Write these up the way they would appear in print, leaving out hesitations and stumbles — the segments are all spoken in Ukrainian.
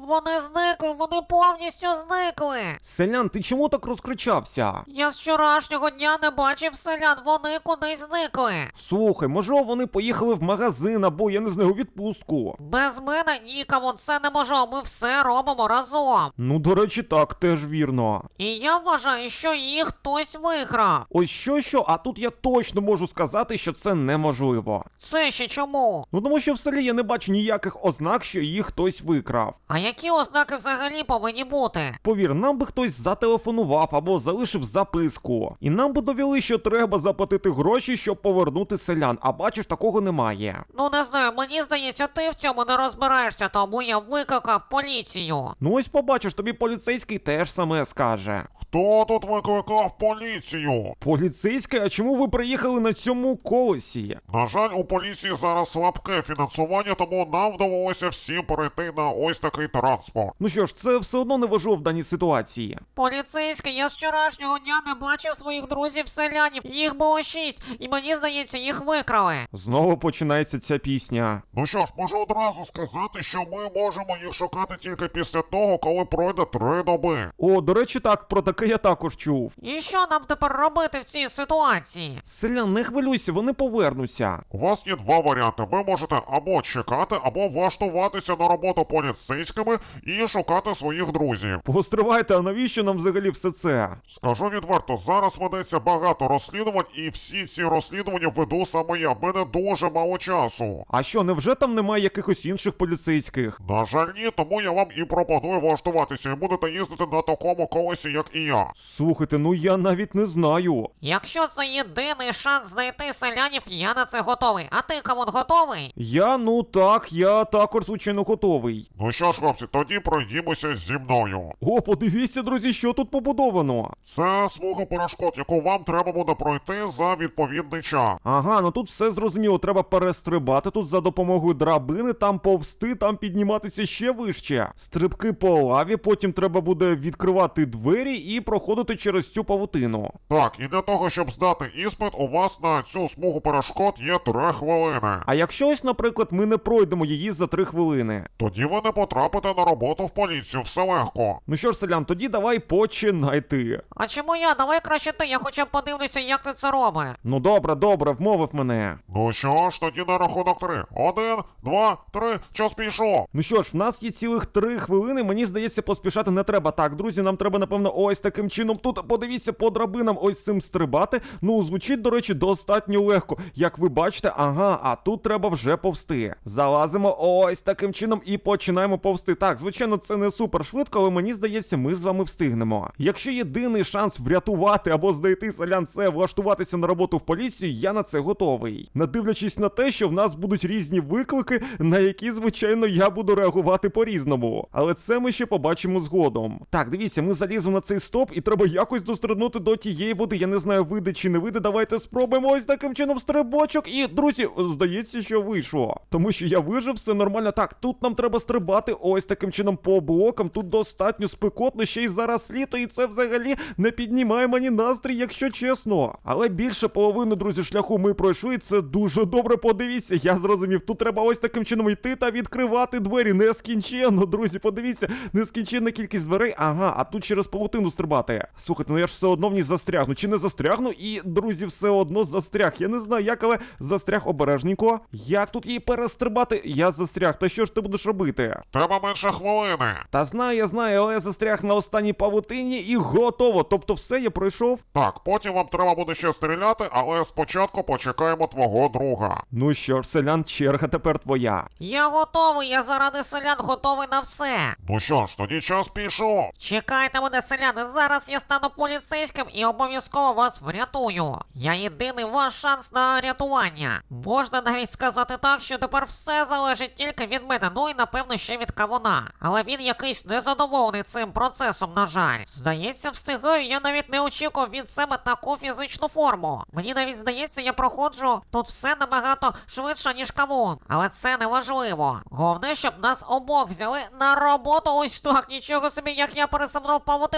Вони зникли, вони повністю зникли. Селян, ти чому так розкричався? Я з вчорашнього дня не бачив селян, вони кудись зникли. Слухай, можливо, вони поїхали в магазин або, я не знаю, у відпустку. Без мене нікому це не може, ми все робимо разом. Ну, до речі, так, теж вірно. І я вважаю, що їх хтось викрав. Ось що, а тут я точно можу сказати, що це неможливо. Це ще чому? Ну, тому що в селі я не бачу ніяких ознак, що їх хтось викрав. А які ознаки взагалі повинні бути? Повір, нам би хтось зателефонував або залишив записку. І нам би довели, що треба заплатити гроші, щоб повернути селян, а бачиш, такого немає. Ну не знаю, мені здається, ти в цьому не розбираєшся, тому я викликав поліцію. Ну ось побачиш, тобі поліцейський теж саме скаже. Хто тут викликав поліцію? Поліцейський, а чому ви приїхали на цьому колесі? На жаль, у поліції зараз слабке фінансування, тому нам довелося всім перейти на ось такий транспорт. Ну що ж, це все одно не важливо в даній ситуації. Поліцейський, я з вчорашнього дня не бачив своїх друзів-селянів. Їх було 6, і мені здається, їх викрали. Знову починається ця пісня. Ну що ж, можу одразу сказати, що ми можемо їх шукати тільки після того, коли пройде 3 доби. О, до речі, так, про таке я також чув. І що нам тепер робити в цій ситуації? Селян, не хвилюйся, вони повернуться. У вас є 2 варіанти. Ви можете або чекати, або влаштуватися на роботу поліцейськими і шукати своїх друзів. Постривайте, а навіщо нам взагалі все це? Скажу відверто, зараз ведеться багато розслідувань, і всі ці розслідування веду саме я. В мене дуже мало часу. А що, невже там немає якихось інших поліцейських? На жаль, ні, тому я вам і пропоную влаштуватися, і будете їздити на такому колесі, як і я. Слухайте, ну я навіть не знаю. Якщо це єдиний шанс знайти селянів, я на це готовий. А ти, Камон, готовий? Я також, звичайно, готовий. Ну що ж, хлопці, тоді пройдімося зі мною. О, подивіться, друзі, що тут побудовано. Це смуга перешкод, яку вам треба буде пройти за відповідний час. Ага, ну тут все зрозуміло, треба перестрибати тут за допомогою драбини, там повзти, там підніматися ще вище. Стрибки по лаві, потім треба буде відкривати двері і проходити через цю павутину. Так, і для того, щоб здати іспит, у вас на цю смугу перешкод є 3 хвилини. А якщо ось, наприклад, ми не пройдемо її за 3 хвилини? Тоді ви не потрапите на роботу в поліцію, все легко. Ну що ж, селян, тоді давай починай ти. А чому я? Давай краще ти, я хоча б подивлюся, як ти це робиш. Ну добре, вмовив мене. Ну що ж, тоді на рахунок 3. 1, 2, 3, час пішов. Ну що ж, в нас є цілих 3 хвилини, мені здається, поспішати не треба. Так, друзі, нам треба, напевно, ось таким чином тут, подивіться, по драбинам ось цим стрибати. Ну, звучить, до речі, достатньо легко. Як ви бачите, ага, а тут треба вже повсти. Залазимо ось таким чином і починаємо повсти. Так, звичайно, це не супер швидко, але мені здається, ми з вами встигнемо. Якщо єдиний шанс врятувати або знайти селян це влаштуватися на роботу в поліцію, я на це готовий. Не дивлячись на те, що в нас будуть різні виклики, на які, звичайно, я буду реагувати по-різному. Але це ми ще побачимо згодом. Так, дивіться, ми заліземо на цей стоп і треба якось дострибнути до тієї води. Я не знаю, вийде чи не вийде. Давайте спробуємо ось таким чином стрибочок. І, друзі, здається, що вийшло. Тому що я вижив, все нормально. Так, тут нам треба стрибати ось таким чином по блокам. Тут достатньо спекотно, ще й зараз літо, і це взагалі не піднімає мені настрій, якщо чесно. Але більше половини, друзі, шляху ми пройшли, і це дуже добре, подивіться. Я зрозумів, тут треба ось таким чином йти та відкривати двері. Нескінченно, друзі, подивіться, нескінченна кількість дверей. Ага, а тут через павутину стрибати. Слухайте, ну я ж все одно в ній застрягну. Чи не застрягну? І, друзі, все одно застряг. Я не знаю як, але застряг обережненько. Як тут її перестрибати? Я застряг. Та що ж ти будеш робити? Треба менше хвилини. Та знаю, я знаю, але я застряг на останній павутині і готово. Тобто все, я пройшов? Так, потім вам треба буде ще стріляти, але спочатку почекаємо твого друга. Ну що ж, селян, черга тепер твоя. Я готовий, я заради селян готовий на все. Ну що ж, тоді час пішов. Чекайте мене, селяни, зараз я стану поліцейським і обов'язково вас врятую. Я єдиний ваш шанс на рятування. Можна навіть сказати так, що тепер все залежить тільки від мене, ну і напевно ще від Кавуна. Але він якийсь незадоволений цим процесом, на жаль. Здається, встигаю, я навіть не очікував від себе таку фізичну форму. Мені навіть здається, я проходжу тут все набагато швидше, ніж Кавун. Але це не важливо. Головне, щоб нас обох взяли на роботу ось так. Нічого собі, як я пересамнув павутину. Кавун,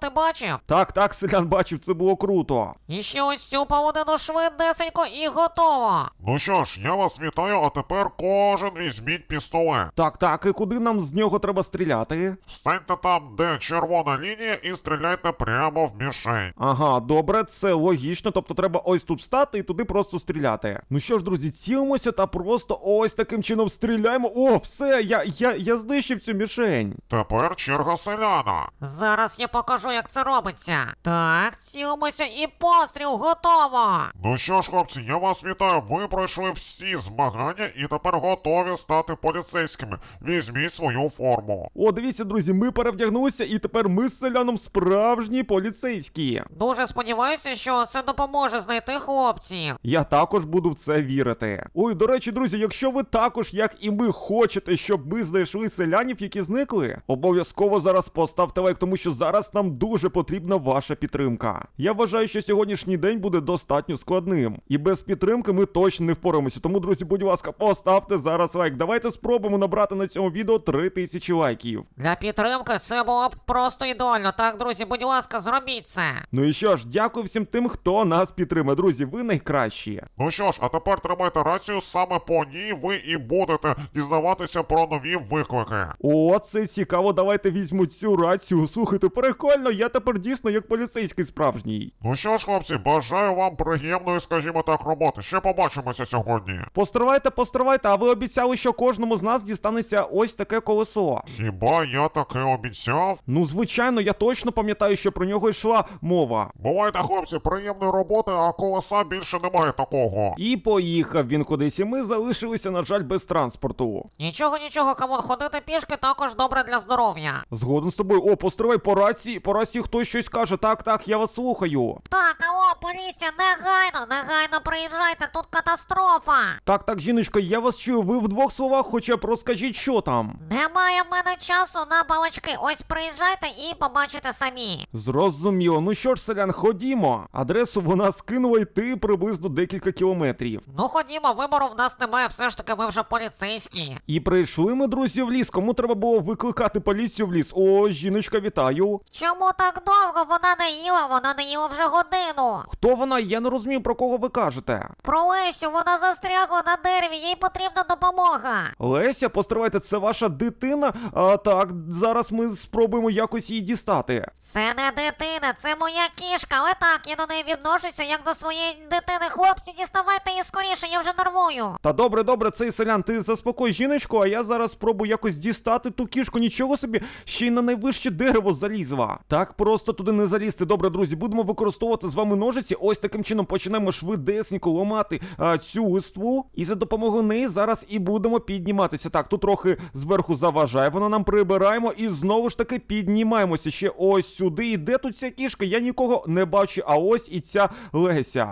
ти бачив? Так, селян бачив, це було круто. І ще ось цю павутину швидесенько і готово. Ну що ж, я вас вітаю, а тепер кожен візьміть пістолет. Так, і куди нам з нього треба стріляти? Встаньте там, де червона лінія, і стріляйте прямо в мішень. Ага, добре, це логічно, тобто треба ось тут стати і туди просто стріляти. Ну що ж, друзі, цілимося та просто ось таким чином стріляємо. О, все, я знищив цю мішень. Тепер черга селяна. Зараз я покажу, як це робиться. Так, цілимося і постріл готово. Ну що ж, хлопці, я вас вітаю. Ви пройшли всі змагання і тепер готові стати поліцейськими. Візьміть свою форму. О, дивіться, друзі, ми перевдягнулися і тепер ми з селяном справжні поліцейські. Дуже сподіваюся, що це допоможе знайти хлопців. Я також буду в це вірити. Ой, до речі, друзі, якщо ви також, як і ми, хочете, щоб ми знайшли селянів, які зникли, обов'язково зараз поставте лайк, тому що зараз нам дуже потрібна ваша підтримка. Я вважаю, що сьогоднішній день буде достатньо складним. І без підтримки ми точно не впораємося. Тому, друзі, будь ласка, поставте зараз лайк. Давайте спробуємо набрати на цьому відео 3000 лайків. Для підтримки це було б просто ідеально. Так, друзі, будь ласка, зробіть це. Ну і що ж, дякую всім тим, хто нас підтримує. Друзі, ви найкращі. Ну що ж, а тепер тримайте рацію, саме по ній ви і будете дізнаватися про нові виклики. О, це цікаво, давайте візьму цю рацію. Слухайте, прикольно, я тепер дійсно як поліцейський справжній. Ну що ж, хлопці, бажаю вам приємної, скажімо так, роботи. Ще побачимося сьогодні. Постривайте, а ви обіцяли, що кожному з нас дістанеться ось таке колесо. Хіба я таке обіцяв? Ну, звичайно, я точно пам'ятаю, що про нього йшла мова. Бувайте, хлопці, приємної роботи, а колеса більше немає такого. І поїхав він кудись, і ми залишилися, на жаль, без транспорту. Нічого, камон, ходити пішки також добре для здоров'я. Згоден з тобою. О, постривай, по рації хтось щось каже. Так, я вас слухаю. Так, алло, поліція, негайно приїжджайте, тут катастрофа. Так, жіночко, я вас чую, ви в двох словах хоча б розкажіть, що там. Немає в мене часу на балачки, ось приїжджайте і побачите самі. Зрозуміло. Ну що ж, селян, ходімо. Адресу вона скинула йти приблизно декілька кілометрів. Ну ходімо, вибору в нас немає, все ж таки ми вже поліцейські. І прийшли ми, друзі, в ліс. Кому треба було викликати поліцію в ліс? О, жіночка, вітаю. Чому так довго? Вона не їла вже годину. Хто вона? Я не розумію, про кого ви кажете. Про Лесю, вона застрягла на дереві, їй потрібна допомога. Леся, постривайте, це ваша дитина? Так, зараз ми спробуємо якось її дістати. Це не дитина, це моя кішка, але так, я до неї відношуся як до своєї дитини. Хлопці, діставайте її скоріше, я вже нервую. Та добре, цей селян, ти заспокой жіночку, а я зараз спробую якось дістати ту кішку. Нічого собі, ще й на найвище дерево залізла. Так просто туди не залізти. Добре, друзі, будемо використовувати з вами ножиці. Ось таким чином почнемо швидесенько ламати цю листву. І за допомогою неї зараз і будемо підніматися. Так, тут трохи зверху заважає, вона нам прибираємо і знову ж таки піднімаємося ще ось сюди. І де тут ця кішка? Я нікого не бачу, а ось і ця Леся.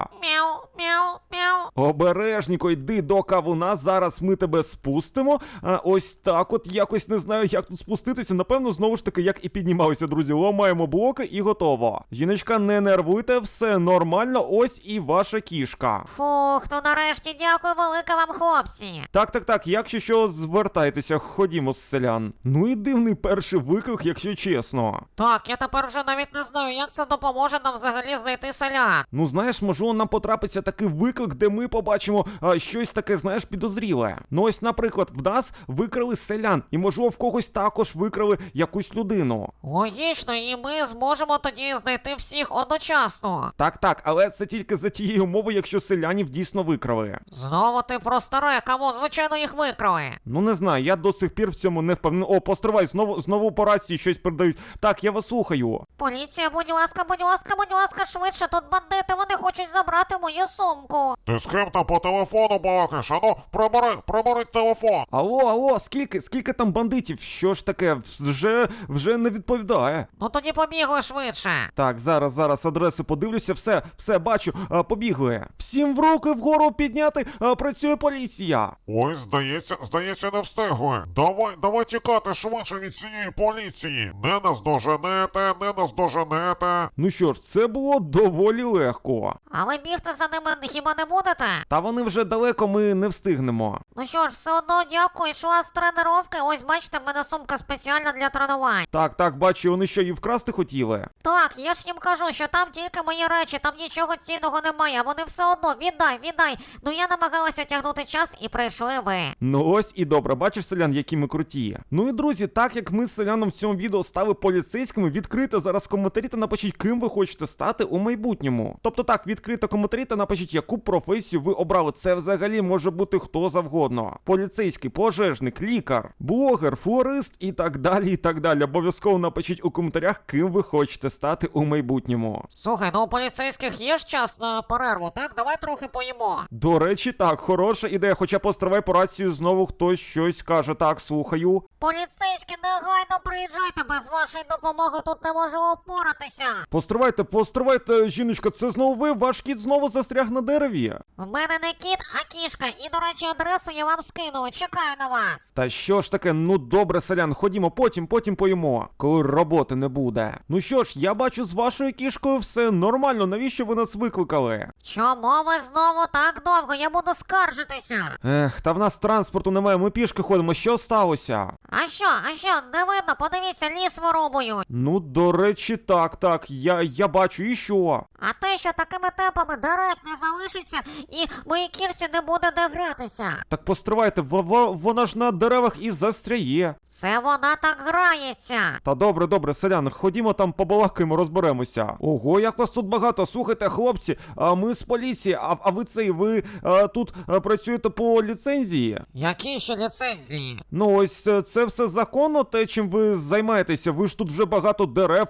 Мяу. Обережненько йди до кавуна, зараз ми тебе спустимо. Ось так от, якось не знаю, як тут спуститися. Напевно, знову ж таки, як і піднімалися, друзі. Ламаємо блоки і готово. Жіночка, не нервуйте, все нормально, ось і ваша кішка. Фух, ну нарешті дякую велике вам, хлопці. Так, якщо що, звертайтеся, ходімо з селян. Ну і дивний перший виклик, якщо чесно. Так, я тепер вже навіть не знаю, як це допоможе нам взагалі знайти селян. Ну знаєш, можливо, нам потрапиться такий виклик, де ми побачимо щось таке, знаєш, підозріле. Ну ось, наприклад, в нас викрали селян, і можливо в когось також викрали якусь людину. Логічно, і ми зможемо тоді знайти всіх одночасно. Так, але це тільки за тієї умови, якщо селянів дійсно викрали. Знову ти про старе, камон, звичайно їх викрали. Ну не знаю, я до сих пір в цьому не впевнений. О, постривай, знову по рації щось передають. Так, я вас слухаю. Поліція, будь ласка, швидше, тут бандити, вони хочуть забрати мою сумку. Ти з ким там по телефону балакаєш? Ану, прибери телефон. Алло, скільки там бандитів? Що ж таке? Вже не відповідає. Ну тоді побігли швидше. Так, зараз адресу подивлюся, все, бачу, побігли. Всім в руки вгору підняти, працює поліція. Ой, здається, не встигли. Давай тікати швидше від цієї поліції. Не наздоженете. Ну що ж, це було доволі легко. А ви бігти за ними хіба не будете? Та вони вже далеко, ми не встигнемо. Ну що ж, все одно дякую, йшла з тренировки. Ось бачите, в мене сумка спеціальна для тренувань. Так, бачу, вони що, і вкрали вкрасти хотіли? Так, я ж їм кажу, що там тільки мої речі, там нічого цінного немає, а вони все одно, віддай. Ну я намагалася тягнути час і прийшли ви. Ну ось і добре, бачиш, селян, які ми круті. Ну і друзі, так як ми з селяном в цьому відео стали поліцейськими, відкрите зараз коментарі та напишіть, ким ви хочете стати у майбутньому. Тобто так, відкрите коментарі та напишіть, яку професію ви обрали. Це взагалі може бути хто завгодно. Поліцейський, пожежник, лікар, блогер, флорист і так далі, і так далі. Обов'язково напишіть у коментарях, ким ви хочете стати у майбутньому. Слухай, ну у поліцейських є ж час на перерву, так? Давай трохи поїмо. До речі, так, хороша ідея, хоча постривай по рацію знову хтось щось каже. Так, слухаю. Поліцейські, негайно приїжджайте, без вашої допомоги тут не можу опоратися. Постривайте, жіночка, це знову ви? Ваш кіт знову застряг на дереві? У мене не кіт, а кішка, і, до речі, адресу я вам скинула, чекаю на вас. Та що ж таке, ну добре, селян, ходімо, потім поїмо, коли роботи не буде. Ну що ж, я бачу, з вашою кішкою все нормально, навіщо ви нас викликали? Чому ви знову так довго? Я буду скаржитися. Ех, та в нас транспорту немає, ми пішки ходимо, що сталося? А що, не видно? Подивіться, ліс вирубують. Ну, до речі, так, я бачу, і що? А те, що такими темпами дерев не залишиться, і моїй кішці не буде де гратися. Так постривайте, вона ж на деревах і застряє. Це вона так грається. Та добре, селяни, ходімо там побалакаємо, розберемося. Ого, як вас тут багато. Слухайте, хлопці, ми з поліції, ви тут працюєте по ліцензії? Які ще ліцензії? Ну ось це все законно, те, чим ви займаєтеся. Ви ж тут вже багато дерев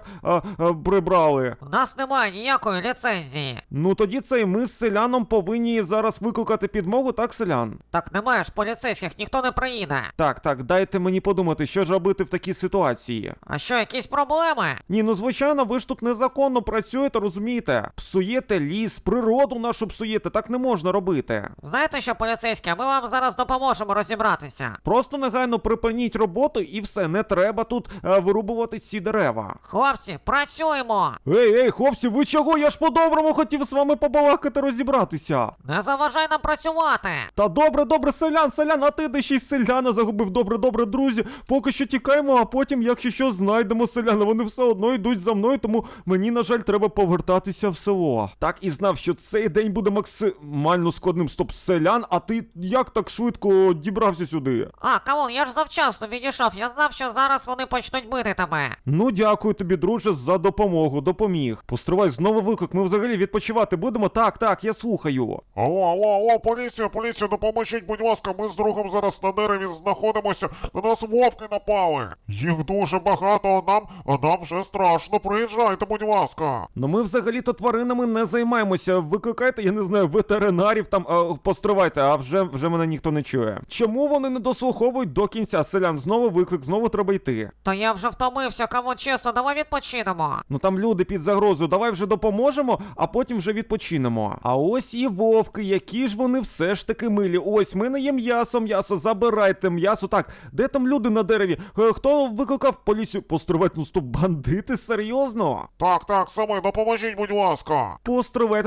прибрали. У нас немає ніякої ліцензії. Ну тоді ми з селяном повинні зараз викликати підмогу, так, селян? Так немає ж поліцейських, ніхто не приїде. Так, дайте мені подумати, що ж робити в такій ситуації. А що, якісь проблеми? Ні, ну звичайно, ви ж тут незаконно працюєте, розумієте? Псуєте ліс, природу нашу псуєте, так не можна робити. Знаєте що, поліцейські, ми вам зараз допоможемо розібратися. Просто негайно припиніть роботу і все, не треба тут вирубувати ці дерева. Хлопці, працюємо! Ей, хлопці, ви чого? Я ж по-доброму хотів з вами побалакати, розібратися. Не заважай нам працювати! Та добре, селян, а ти де ще й селяна загубив. Добре, друзі, поки що тікаємо, а потім, якщо що, знайдемо селяна. Вони все одно йдуть за мною, тому мені, на жаль, треба повертатися в село. Так і знав, що цей день буде максимально складним. Стоп, селян, а ти як так швидко дібрався сюди? А, камон, я ж завчасно відійшов, я знав, що зараз вони почнуть бити тебе. Ну, дякую тобі, друже, за допомогу, допоміг. Постривай, знову виклик, ми взагалі відпочивати будемо? Так, я слухаю. Алло, поліція, допоможіть, будь ласка, ми з другом зараз на дереві знаходимося, на нас вовки напали. Їх дуже багато, а нам вже страшно, приїжджайте, будь ласка. Ну ми взагалі-то тваринами не займаємося. Викликайте, я не знаю, ветеринарів там, постривайте, а вже мене ніхто не чує. Чому вони не дослуховують до кінця? Селян, знову виклик, знову треба йти. Та я вже втомився, камон, чесно, давай відпочинемо. Ну там люди під загрозою, давай вже допоможемо, а потім вже відпочинемо. А ось і вовки, які ж вони все ж таки милі. Ось, ми не є м'ясо, забирайте м'ясо. Так, де там люди на дереві? Хто викликав поліцію? Постривайте, ну стоп, бандити, серйозно? Так, саме, допоможіть, будь ласка. Постривайте,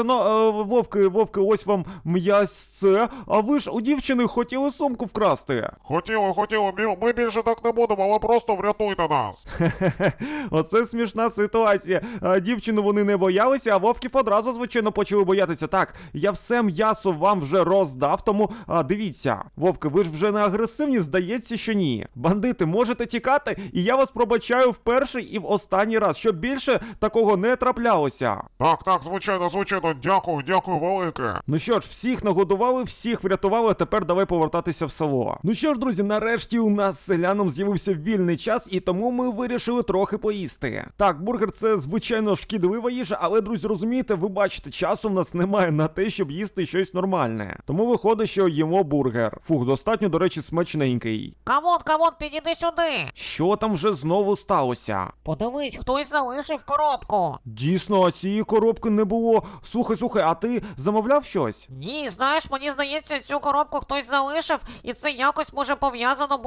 вовки, ось вам м'ясце. А ви ж у дівчини хотіли сумку вкрасти. Хотіли, ми більше так не будемо, але просто врятуйте нас. Оце смішна ситуація. Дівчину вони не боялися, а вовків одразу, звичайно, почали боятися. Так, я все м'ясо вам вже роздав, тому дивіться. Вовки, ви ж вже не агресивні, здається, що ні. Бандити, можете тікати, і я вас пробачаю в перший і в останній раз, щоб більше такого не траплялося. Так, звичайно, дякую велике. Ну що ж, всіх нагодували, всіх врятували, а тепер давай повертатися в село. Ну що ж, друзі, нарешті у нас з селяном з'явився вільний час, і тому ми вирішили трохи поїсти. Так, бургер це, звичайно, шкідлива їжа, але, друзі, розумієте, ви бачите, часу в нас немає на те, щоб їсти щось нормальне. Тому виходить, що їмо бургер. Фух, достатньо, до речі, смачненький. Камон, підійди сюди. Що там вже знову сталося? Подивись, хтось залишив коробку. Дійсно, а цієї коробки не було. Слухай, а ти замовляв щось? Ні, знаєш, мені здається, цю коробку хтось залишив, і це якось може пов'язано бути з селяном.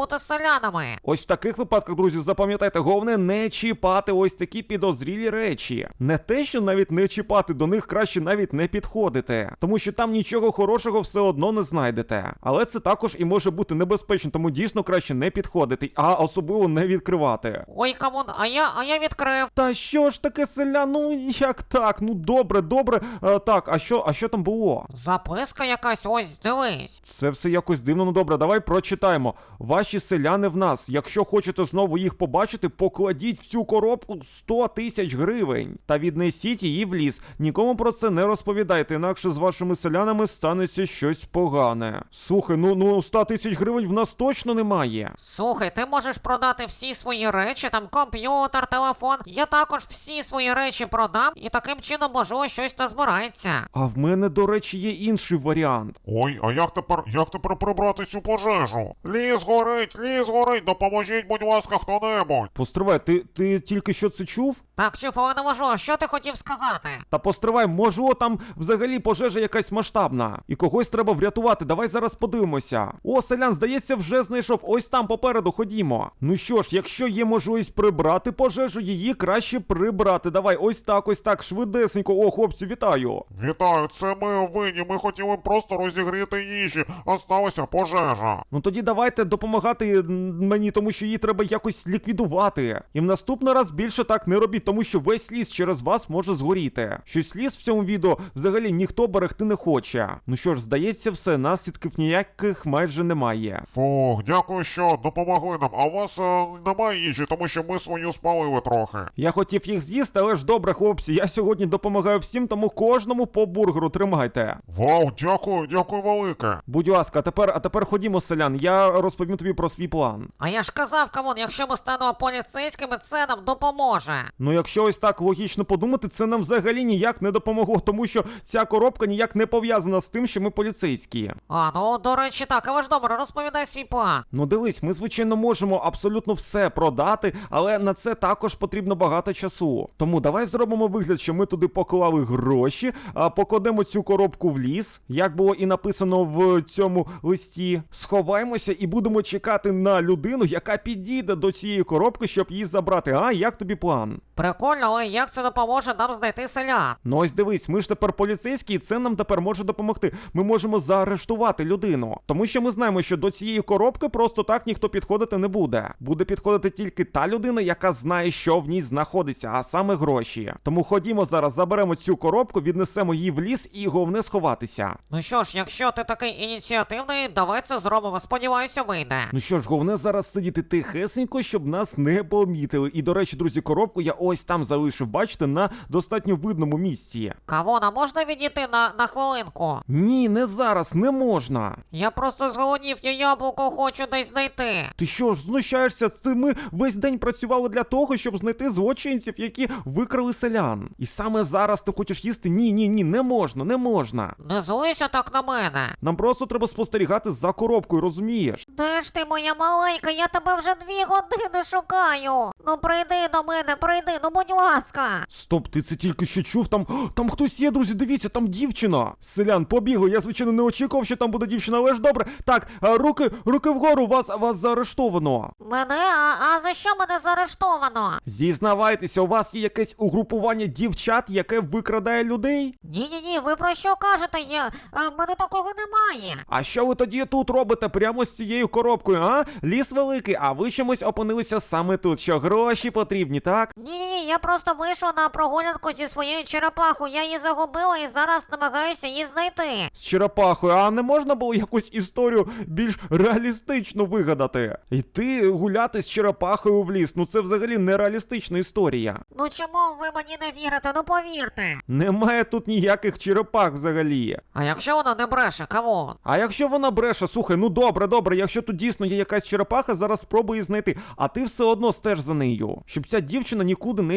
селянами. Ось в таких випадках, друзі, запам'ятайте, головне не чіпати ось такі підозрілі речі. Не те, що навіть не чіпати, до них краще навіть не підходити, тому що там нічого хорошого все одно не знайдете. Але це також і може бути небезпечно, тому дійсно краще не підходити, а особливо не відкривати. Ой, камон, а я відкрив. Та що ж таке, селян? Ну як так? Ну добре. Так, а що там було? Записка якась, ось, дивись. Це все якось дивно, ну добре, давай прочитаємо. Ваші селяни в нас. Якщо хочете знову їх побачити, покладіть в цю коробку 100 тисяч гривень. Та віднесіть її в ліс. Нікому про це не розповідайте, інакше з вашими селянами станеться щось погане. Слухай, ну 100 тисяч гривень в нас точно немає. Слухай, ти можеш продати всі свої речі, там комп'ютер, телефон. Я також всі свої речі продам, і таким чином, можливо, щось назбирається. А в мене, до речі, є інший варіант. Ой, а як тепер прибрати цю пожежу? Ліс горить, допоможіть, будь ласка, хто-небудь. Постривай, ти тільки що це чув? Так, чув, але не можу, що ти хотів сказати? Та постривай, можливо, там взагалі пожежа якась масштабна. І когось треба врятувати, давай зараз подивимося. О, селян, здається, вже знайшов, ось там попереду, ходімо. Ну що ж, якщо є можливість прибрати пожежу, її краще прибрати. Давай, ось так, швидесенько. О, хлопці, вітаю. Вітаю, це ми винні, ми хотіли просто розігріти їжі, а сталася пожежа. Ну тоді давайте допомагати мені, тому що її треба якось ліквідувати. І в наступний раз більше так не робіть, тому що весь ліс через вас може згоріти. Щось ліс в цьому відео взагалі ніхто берегти не хоче. Ну що ж, здається, все, наслідків ніяких майже немає. Фух, дякую, що допомогли нам, а у вас немає їжі, тому що ми свою спалили трохи. Я хотів їх з'їсти, але ж добре, хлопці, я сьогодні допомагаю всім, тому кожному по бургеру тримайте. Вау, дякую велике. Будь ласка, а тепер ходімо, селян, я розповім тобі про свій план. А я ж казав, камон, якщо ми станемо поліцейськими, це нам допоможе. Ну якщо ось так логічно подумати, це нам взагалі ніяк не допомогло, тому що ця коробка ніяк не пов'язана з тим, що ми поліцейські. А, ну, до речі, так, але ж добре, розповідай свій план. Ну дивись, ми звичайно можемо абсолютно все продати, але на це також потрібно багато часу. Тому давай зробимо вигляд, що ми туди поклали гроші, а покладемо цю коробку в ліс, як було і написано в цьому листі. Сховаємося і будемо чекати на людину, яка підійде до цієї коробки, щоб її забрати. А, як тобі план? Прикольно, але як це допоможе нам знайти селян? Ну ось дивись, ми ж тепер поліцейські, і це нам тепер може допомогти. Ми можемо заарештувати людину. Тому що ми знаємо, що до цієї коробки просто так ніхто підходити не буде. Буде підходити тільки та людина, яка знає, що в ній знаходиться, а саме гроші. Тому ходімо зараз, заберемо цю коробку, віднесемо її в ліс і головне сховатися. Ну що ж, якщо ти такий ініціативний, давай це зробимо, сподіваюся, вийде. Ну що ж, головне зараз сидіти тихесенько, щоб нас не помітили. І, до речі, друзі, коробку я ось там залишив, бачите, на достатньо видному місці. Кавона, можна відійти на хвилинку? Ні, не зараз, не можна. Я просто зголоднів, я яблуко хочу десь знайти. Ти що ж, знущаєшся? Ми весь день працювали для того, щоб знайти злочинців, які викрали селян. І саме зараз ти хочеш їсти? Ні, не можна. Не злися так на мене. Нам просто треба спостерігати за коробкою, розумієш? Де ж ти, моя маленька, я тебе вже 2 години шукаю. Ну прийди до мене, ну будь ласка. Стоп, ти це тільки що чув? Там хтось є, друзі, дивіться, там дівчина. Селян, побігли, я, звичайно, не очікував, що там буде дівчина, але ж добре. Так, руки вгору, вас заарештовано. Мене? А за що мене заарештовано? Зізнавайтеся, у вас є якесь угрупування дівчат, яке викрадає людей? Ні, ви про що кажете? Мене такого немає. А що ви тоді тут робите прямо з цією коробкою, а? Ліс великий, а ви чомусь опинилися саме тут, що гроші потрібні, так? Ні, я просто вийшов на прогулянку зі своєю черепахою, я її загубила і зараз намагаюся її знайти. З черепахою, а не можна було якусь історію більш реалістично вигадати? Йти гуляти з черепахою в ліс, ну це взагалі нереалістична історія. Ну чому ви мені не вірите? Ну повірте. Немає тут ніяких черепах взагалі. А якщо вона не бреше, кавун? А якщо вона бреше, слухай, ну добре, якщо тут дійсно є якась черепаха, зараз спробуй її знайти, а ти все одно стеж за нею, щоб ця дівчина нікуди не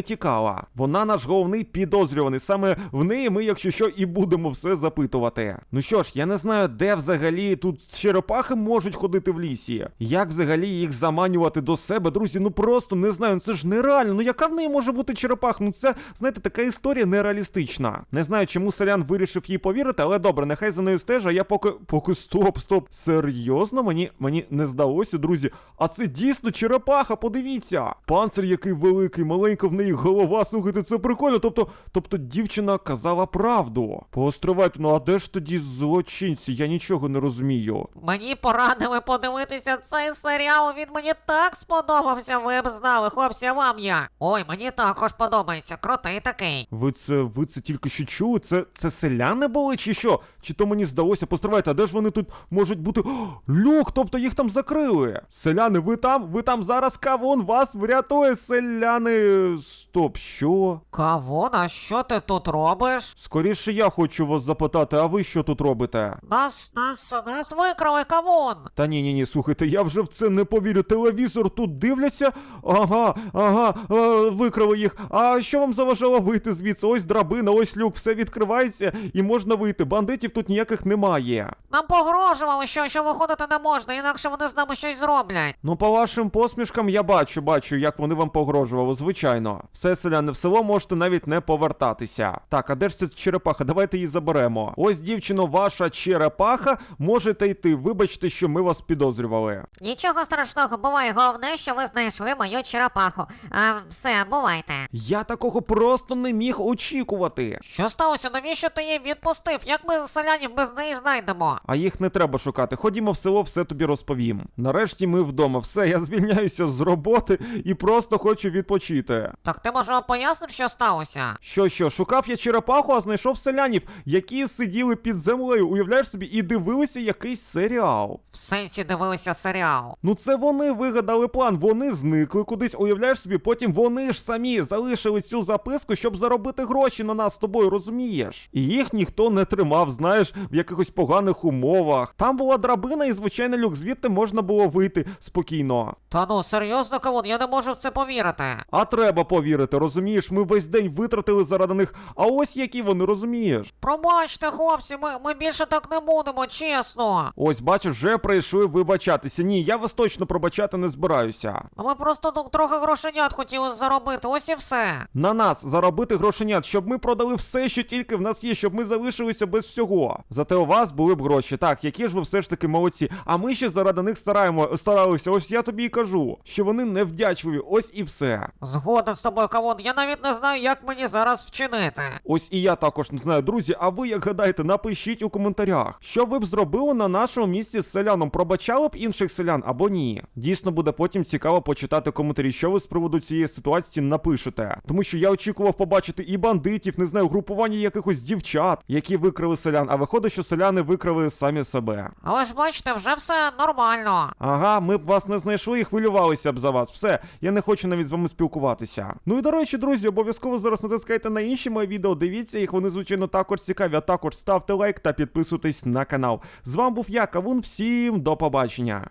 не тікала. Вона наш головний підозрюваний. Саме в неї ми, якщо що, і будемо все запитувати. Ну що ж, я не знаю, де взагалі тут черепахи можуть ходити в лісі. Як взагалі їх заманювати до себе, друзі? Ну просто не знаю, це ж нереально. Ну яка в неї може бути черепах? Ну це, знаєте, така історія нереалістична. Не знаю, чому селян вирішив їй повірити, але добре, нехай за нею стежа, а я поки стоп. Серйозно? Мені не здалося, друзі. А це дійсно черепаха, подивіться. Панцир який великий, маленька в неї голова, слухайте, це прикольно. Тобто дівчина казала правду. Постривайте, ну а де ж тоді злочинці? Я нічого не розумію. Мені порадили подивитися цей серіал, він мені так сподобався, ви б знали, хлопці, а вам як? Ой, мені також подобається, крутий такий. Ви це тільки що чули? Це селяни були чи що? Чи то мені здалося? Постривайте, а де ж вони тут можуть бути? О, люк, тобто їх там закрили. Селяни, ви там зараз кавун вас врятує, селяни. Стоп, що? Кавун, а що ти тут робиш? Скоріше я хочу вас запитати, а ви що тут робите? Нас викрали, кавун. Та ні, слухайте, я вже в це не повірю. Телевізор тут дивляться. Ага, викрали їх. А що вам заважало вийти звідси? Ось драбина, ось люк, все відкривається і можна вийти. Бандитів тут ніяких немає. Нам погрожували, що виходити не можна, інакше вони з нами щось зроблять. Ну, по вашим посмішкам я бачу, як вони вам погрожували, звичайно. Все, селяни, в село можете навіть не повертатися. Так, а де ж ця черепаха? Давайте її заберемо. Ось, дівчино, ваша черепаха, можете йти. Вибачте, що ми вас підозрювали. Нічого страшного, буває, головне, що ви знайшли мою черепаху. Все, бувайте. Я такого просто не міг очікувати. Що сталося? Навіщо ти її відпустив? Як ми селянів без неї знайдемо? А їх не треба шукати. Ходімо в село, все тобі розповім. Нарешті ми вдома. Все, я звільняюся з роботи і просто хочу відпочити. Так ти, може, поясниш, що сталося? Що, шукав я черепаху, а знайшов селянів, які сиділи під землею, уявляєш собі, і дивилися якийсь серіал. В сенсі дивилися серіал. Ну це вони вигадали план, вони зникли кудись, уявляєш собі, потім вони ж самі залишили цю записку, щоб заробити гроші на нас з тобою, розумієш? І їх ніхто не тримав, знаєш, в якихось поганих умовах. Там була драбина і звичайний люк, звідти можна було вийти спокійно. Та ну, серйозно, кавун, я не можу в це повірити. А треба повірити, розумієш, ми весь день витратили заради них, а ось які вони, розумієш? Пробачте, хлопці, ми більше так не будемо, чесно. Ось, бачиш, вже прийшли вибачатися. Ні, я вас точно пробачати не збираюся. А ми просто трохи грошенят хотіли заробити, ось і все. На нас заробити грошенят, щоб ми продали все, що тільки в нас є, щоб ми залишилися без всього. Зате у вас були б гроші. Так, які ж ви все ж таки молодці. А ми ще заради них старалися. Ось я тобі і кажу, що вони невдячливі. Ось і все. Згоден з тобою, кавун, я навіть не знаю, як мені зараз вчинити. Ось і я також не знаю, друзі, а ви як гадаєте, напишіть у коментарях, що ви б зробили на нашому місці з селяном, пробачали б інших селян або ні. Дійсно буде потім цікаво почитати коментарі, що ви з приводу цієї ситуації напишете. Тому що я очікував побачити і бандитів, не знаю, групування якихось дівчат, які викрали селян, а виходить, що селяни викрали самі себе. Але ж бачите, вже все нормально. Ага, ми б вас не знайшли і хвилювалися б за вас. Все, я не хочу навіть з вами спілкуватися. Ну і до речі, друзі, обов'язково зараз натискайте на інші мої відео, дивіться їх, вони звичайно також цікаві, а також ставте лайк та підписуйтесь на канал. З вами був я, Кавун, всім до побачення.